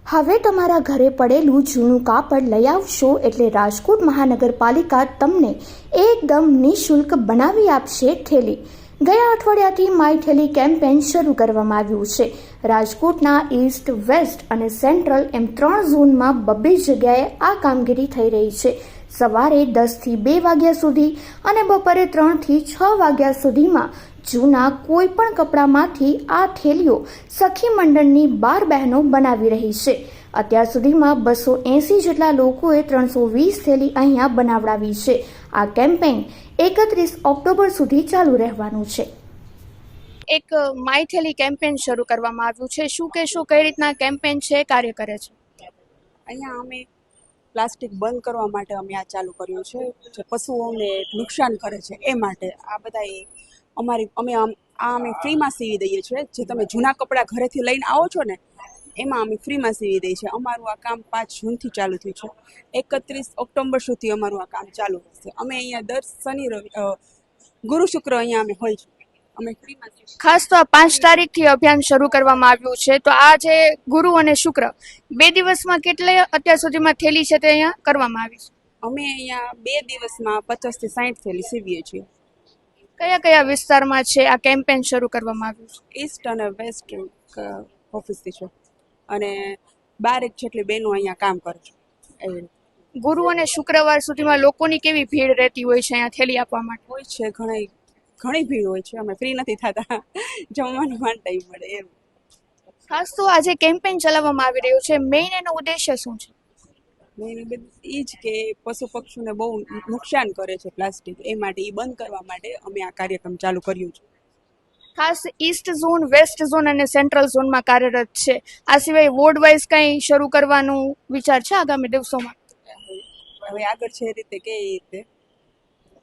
હવે તમારા ઘરે પડેલું જૂનું કાપડ લઈ આવશો એટલે રાજકોટ મહાનગરપાલિકા તમને એકદમ નિઃશુલ્ક બનાવી આપશે થેલી। ગયા અઠવાડિયાથી માય થેલી કેમ્પેન શરૂ કરવામાં આવ્યું છે। રાજકોટના ઈસ્ટ, વેસ્ટ અને સેન્ટ્રલ એમ 3 ઝોનમાં 2 જગ્યાએ આ કામગીરી થઈ રહી છે। સવારે 10 થી 2 વાગ્યા સુધી અને બપોરે 3 થી 6 વાગ્યા સુધીમાં જૂના કોઈ પણ કપડામાંથી આ થેલીઓ સખી મંડળની 12 બહેનો બનાવી રહી છે। અત્યાર સુધીમાં 280 જેટલા લોકોએ 320 થેલી અહીંયા બનાવડાવી છે। આ કેમ્પેઇન 31 ઓક્ટોબર સુધી ચાલુ રહેવાનું છે। એક માય થેલી કેમ્પેઇન શરૂ કરવામાં આવ્યું છે। શું કહેશો, કઈ રીતના કેમ્પેઇન છે, કાર્ય કરે છે? અહીંયા અમે પ્લાસ્ટિક બંધ કરવા માટે અમે આ ચાલુ કર્યું છે, જે પશુઓને નુકસાન કરે છે એ માટે। આ બધા અમે ફ્રીમાં સીવી દઈએ છીએ। જે તમે જૂના કપડાં ઘરેથી લઈને આવો છો ને, એમાં અમે ફ્રીમાં સીવી દઈએ છીએ। અમારું આ કામ 5 જૂનથી ચાલુ થયું છે। 31 ઓક્ટોબર સુધી અમારું આ કામ ચાલુ રહેશે। અમે અહીંયા દર શનિ રવિ ગુરુ શુક્ર અહીંયા અમે હોય છે। અમે ફ્રીમાં ખાસ તો આ 5 તારીખથી અભિયાન શરૂ કરવામાં આવ્યું છે, તો આ જે ગુરુ અને શુક્ર 2 દિવસમાં કેટલે અત્યાર સુધીમાં થેલી છે તે અહીંયા કરવામાં આવી છે? અમે અહીંયા 2 દિવસમાં 50 થી 60 થેલી સીવીએ છીએ। કયા કયા વિસ્તારમાં છે આ કેમ્પેઇન શરૂ કરવામાં આવ્યું છે? ઈસ્ટ અને વેસ્ટ ઓફિસથી છે, અને 12 જેટલી બહેનો અહીંયા કામ કરે છે। એવી ગુરુ અને શુક્રવાર સુધીમાં લોકોની કેવી ભીડ રહેતી હોય છે અહીંયા થેલી આપવા માટે? હોય છે, ઘણી ભીડ હોય છે। અમે ફ્રી નથી થતા, જમવાનું પણ ટાઈમ મળે એમ। ખાસ તો આજે કેમ્પેઇન ચલાવવામાં આવી રહ્યું છે, મેઇન એનો ઉદ્દેશ્ય શું છે? એ જ કે પશુ પક્ષીઓને બહુ નુકસાન કરે છે પ્લાસ્ટિક, એ માટે એ બંધ કરવા માટે અમે આ કાર્યક્રમ ચાલુ કર્યું છે। ખાસ ઈસ્ટ ઝોન, વેસ્ટ ઝોન અને સેન્ટ્રલ ઝોનમાં કાર્યરત છે। આ સિવાય વોર્ડ વાઇઝ કંઈ શરૂ કરવાનું વિચાર છે આગામી દિવસોમાં? હવે આગળ છે એ રીતે કે રીતે